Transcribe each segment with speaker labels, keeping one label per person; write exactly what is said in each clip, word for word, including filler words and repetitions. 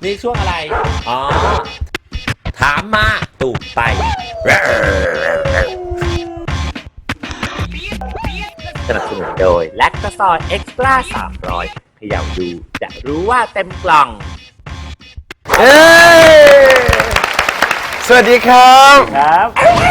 Speaker 1: นี่ช่วงอะไรอ๋อถามมาตูบไปสนับสนุนโดยแลคตาซอยเอ็กซ์ตร้าสามร้อยเขย่าดูจะรู้ว่าเต็มกล่อง
Speaker 2: เอ้สวัสดีครับ
Speaker 1: ครับ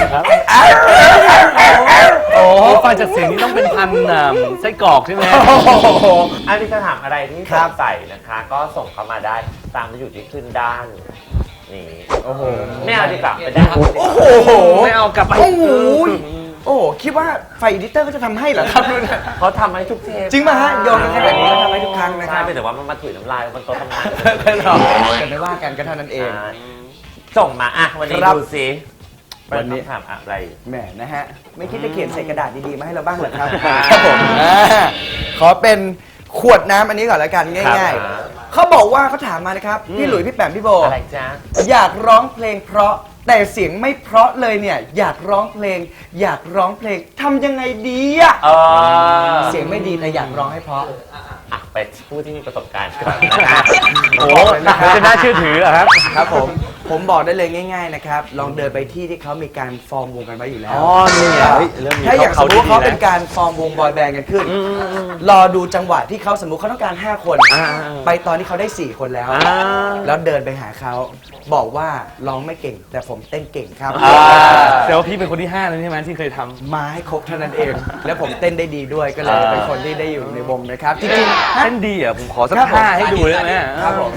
Speaker 2: โอ้ฟังจากเสียงนี้ต้องเป็นพันไส้กรอกใช่ไหม
Speaker 1: อันนี้จะถามอะไรที่สงสัยนะคะก็ส่งเข้ามาได้ตามที่อยู่ที่ขึ้นด้านนี่โอ้โหไม่เอาดีกว่าไปได้
Speaker 2: โอ้โหไม่เอากลับไปโอ้โหโอ้คิดว่าไฟอีดิเตอร์ก็จะทำให้เหรอครับ
Speaker 1: เขาทำให้ทุกเทป
Speaker 2: จริงป่ะฮะโยนกันแบบนี้ก็ทำให้ทุกครั้งนะครับ
Speaker 1: ใช่แต่ว่ามันมาถุยน้ำลายมันโต๊ะทำงาน
Speaker 2: หรอกันไม่ว่ากันก็เท่านั้นเอง
Speaker 1: ส่งมาอ่ะวันนี้ดูสิ
Speaker 2: วันนี้
Speaker 1: ถามอะไร
Speaker 2: แหมนะฮะไม่คิดจะเขียนใส่กระดาษดีๆมาให้เราบ้างเหรอครับครับผมขอเป็นขวดน้ำอันนี้ก่อนแล้วกันง่ายๆเขาบอกว่าเขาถามมานะครับพี่หลุยพี่แปมพี่โบ
Speaker 1: อะไรจ๊ะ
Speaker 2: อยากร้องเพลงเพราะแต่เสียงไม่เพราะเลยเนี่ยอยากร้องเพลงอยากร้องเพลงทำยังไงดีอะเสียงไม่ดีแต่อยากร้องให้เพราะ
Speaker 1: ไปผู้ที่มีประสบการณ์
Speaker 2: โอ้จะน่าเชื่อถือเหรอครับครับผมผมบอกได้เลยง่ายๆนะครับลองเดินไปที่ที่เขามีการฟอร์มวงกันไว้อยู่แล้ว
Speaker 1: อ๋อนี่ไง
Speaker 2: ถ้าอย่างสมมติเขาเป็นการฟอร์มวงบอยแบนด์กันขึ้นรอดูจังหวะที่เขาสมมุติเขาต้องการห้าคนไปตอนที่เขาได้สี่คนแล้วแล้วเดินไปหาเขาบอกว่าร้องไม่เก่งแต่ผมเต้นเก่งครับ
Speaker 3: แต่ว่าพี่เป็นคนที่ห้าแล้วใช่ไหมที่เคยทำ
Speaker 2: มาให้ครบเท่านั้นเองแล้วผมเต้นได้ดีด้วยก็เลยเป็นคนที่ได้อยู่ในวงนะครับจริง
Speaker 3: ๆเต้นดีอ่ะผมขอสักท่าให้ดูได้ไหม
Speaker 2: ครับผม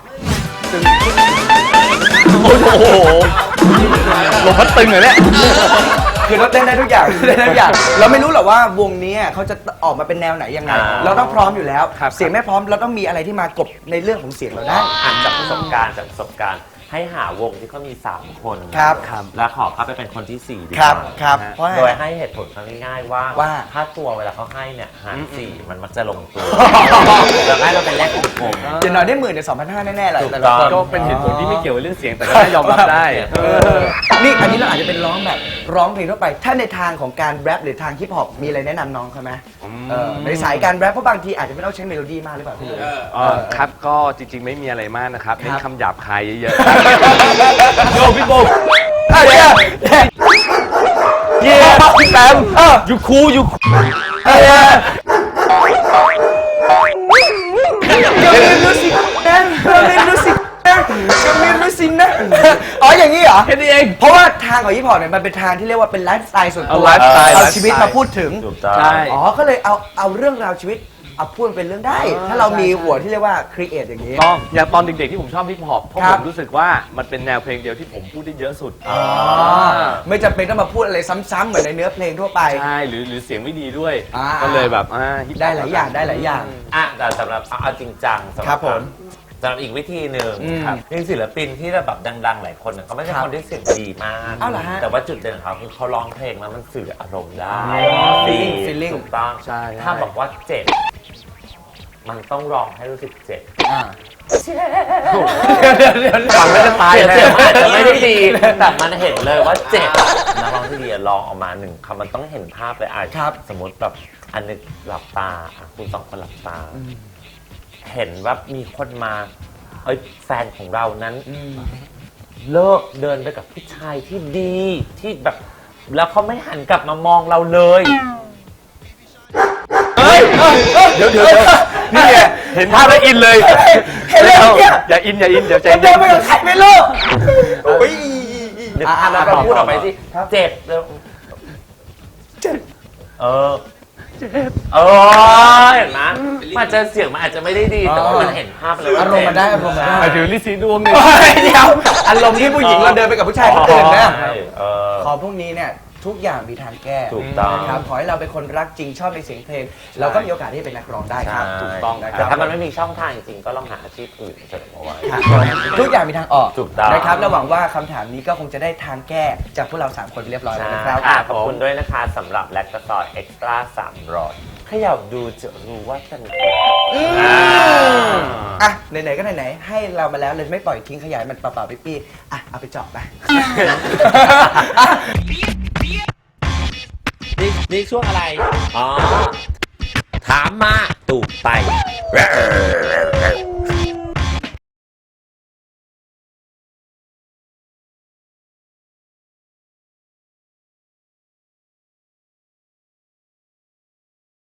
Speaker 3: โอ้โหลมพัดตึงเลยเนี่ย
Speaker 2: คือเราเต้นได้ทุกอย่างเต้นได้ทุกอย่างเราไม่รู้หรอกว่าวงนี้เขาจะออกมาเป็นแนวไหนยังไงเราต้องพร้อมอยู่แล้วเสียงไม่พร้อมเราต้องมีอะไรที่มากบในเรื่องของเสียงเราได้
Speaker 1: อ่านจากประสบการณ์จากประสบการณ์ให้หาวงที่เขามีสามคน
Speaker 2: ครับ
Speaker 1: แล้วขอเข้าไปเป็นคนที่สี่ดีก
Speaker 2: ว่าครับ
Speaker 1: โดยให้เหตุผลง่ายๆว่าถ้าตัวเวลาเขาให้เนี่ยหารสี่มันมักจะลงตัวแล้วให้เราเป็นแรกกลุ่ม
Speaker 2: จะน้อยได้หมื่นในสองพันห้าแน่ๆแหละ
Speaker 1: แต่
Speaker 3: ก็เป็นเหตุผลที่ไม่เกี่ยวกับเรื่องเสียงแต่ก็ได้ยอมรับได้
Speaker 2: นี่อันนี้เราอาจจะเป็นร้องแบบร้องเพลงทั่วไปถ้าในทางของการแรปหรือทางฮิปฮอปมีอะไรแนะนำน้องเขาไหมในสายการแรปเพราะบางทีอาจจะไม่ต้องใช้เมโลดี้มากหรือเปล่าพี่ลุย
Speaker 3: ครับก็จริงๆไม่มีอะไรมากนะครับเน้นคำหยาบคายเยอะๆโยพี่โบ
Speaker 2: เย้
Speaker 3: เย้พี่แปมอยู่คูอยู่
Speaker 2: ก็มีมิวสิกนะก็มีมิวสิกนะก็มีมิวสิกนะอ๋ออย่างนี้เหรอ
Speaker 3: แค่นี้เอง
Speaker 2: เพราะว่าทางของฮิปฮอปเนี่ยมันเป็นทางที่เรียกว่าเป็นไลฟ์สไตล์ส่วนตัวเอาชีวิตมาพูดถึง
Speaker 1: ใช่
Speaker 2: อ๋อก็เลยเอาเอาเรื่องราวชีวิตเอาพูดเป็นเรื่องได้ถ้าเรามีหัวที่เรียกว่าครีเอทอย่างนี้
Speaker 3: ต้องอย่างตอนเด็กๆที่ผมชอบฮิปฮอปเพราะผมรู้สึกว่ามันเป็นแนวเพลงเดียวที่ผมพูดได้เยอะสุด
Speaker 2: ไม่จำเป็นต้องมาพูดอะไรซ้ำๆเหมือนในเนื้อเพลงทั่วไป
Speaker 3: ใช่หรือหรือเสียงไม่ดีด้วยก็เลยแบบ
Speaker 2: ได้หลายอย่างได้หลายอย่าง
Speaker 1: อ่ะแต่สำหรับเอาจริงจังสำหรับ
Speaker 2: ผม
Speaker 1: สำหรับอีกวิธีหนึ่งมีศิลปินที่แบบดังๆหลายคนเขาไม่ใช่คนที่เสียงดีมากแต่ว่าจุดเด่นของเขาคือเขาร้องเพลงแล้วมันสื่ออารมณ์ได้
Speaker 2: ฟีลลิ่ง
Speaker 1: ถูกต้องถ้าบอกว่าเจ็บมันต้องร้องให้รู้สึกเจ็บ
Speaker 3: ฟังแล้วจะตาย
Speaker 1: เจ็บอาจจะไม่ได้ดีแต่มันเห็นเลยว่าเจ็บนักร้องที่ดีร้องออกมาหนึ่งคำมันต้องเห็นภาพเลยอ่ะสมมติแบบอันนึงหลับตาคุณสองคนหลับตาเห็นว่ามีคนมาเอ้ยแฟนของเรานั้นเลิกเดินไปกับผู้ชายที่ดีที่แบบแล้วเขาไม่หันกลับมามองเราเลย
Speaker 3: เดี๋ยวเดี๋ยวนี่ไงเห็นภาพแล้วอินเลย
Speaker 2: เห็นแล้ว
Speaker 3: อย่าอินอย่าอินเดี๋ยวใจ
Speaker 2: เย็นไม่ต้องใครไม่รู้โอ้ย
Speaker 1: เดี๋ยวเราพูดออกไปสิเจ็บแล้ว
Speaker 2: เจ็บ
Speaker 1: เออเจ็บเออเห็นไหมมันจะเสียงมันอาจจะไม่ได้ดีแต่ว่ามันเห็นภาพเลย
Speaker 2: อารมณ์มันได้อารมณ์มันได้
Speaker 3: หมายถึงลิซีดวงนี่
Speaker 2: เดี๋ยวอารมณ์ที่ผู้หญิงเราเดินไปกับผู้ชายคนอื่นนะขอพวกนี้เนี่ยทุกอย่างมีทางแก้
Speaker 1: ถูกต้อง
Speaker 2: ครับขอให้เราเป็นคนรักจริงชอบในเสียงเพลงเราก็มีโอกาสที่เป็นนักร้องได้ครับ
Speaker 1: ถูกต้องแต่ถ้ามันไม่มีช่องทางจริงๆก็ลองหาอาชีพอื่นเสริมเอาไว้
Speaker 2: ทุกอย่างมีทางออก
Speaker 1: ถูกต้อง
Speaker 2: นะครับและหวังว่าคำถามนี้ก็คงจะได้ทางแก้จากพวกเราสามคนเรียบร้อยแล้วนะครับ
Speaker 1: ขอบคุณด้วยนะคะสำหรับแลคตาซอยเอ็กซ์ตร้าสามร้อยขยับดูจะรู้ว่าเป็น
Speaker 2: อ่ะไหนๆก็ไหนๆให้เรามาแล้วเลยไม่ปล่อยทิ้งขยายมันเปล่าๆปี้ๆอ่ะเอาไปเจาะไป
Speaker 1: นี่นี่ช่วงอะไรอ๋อถามมาตูบไป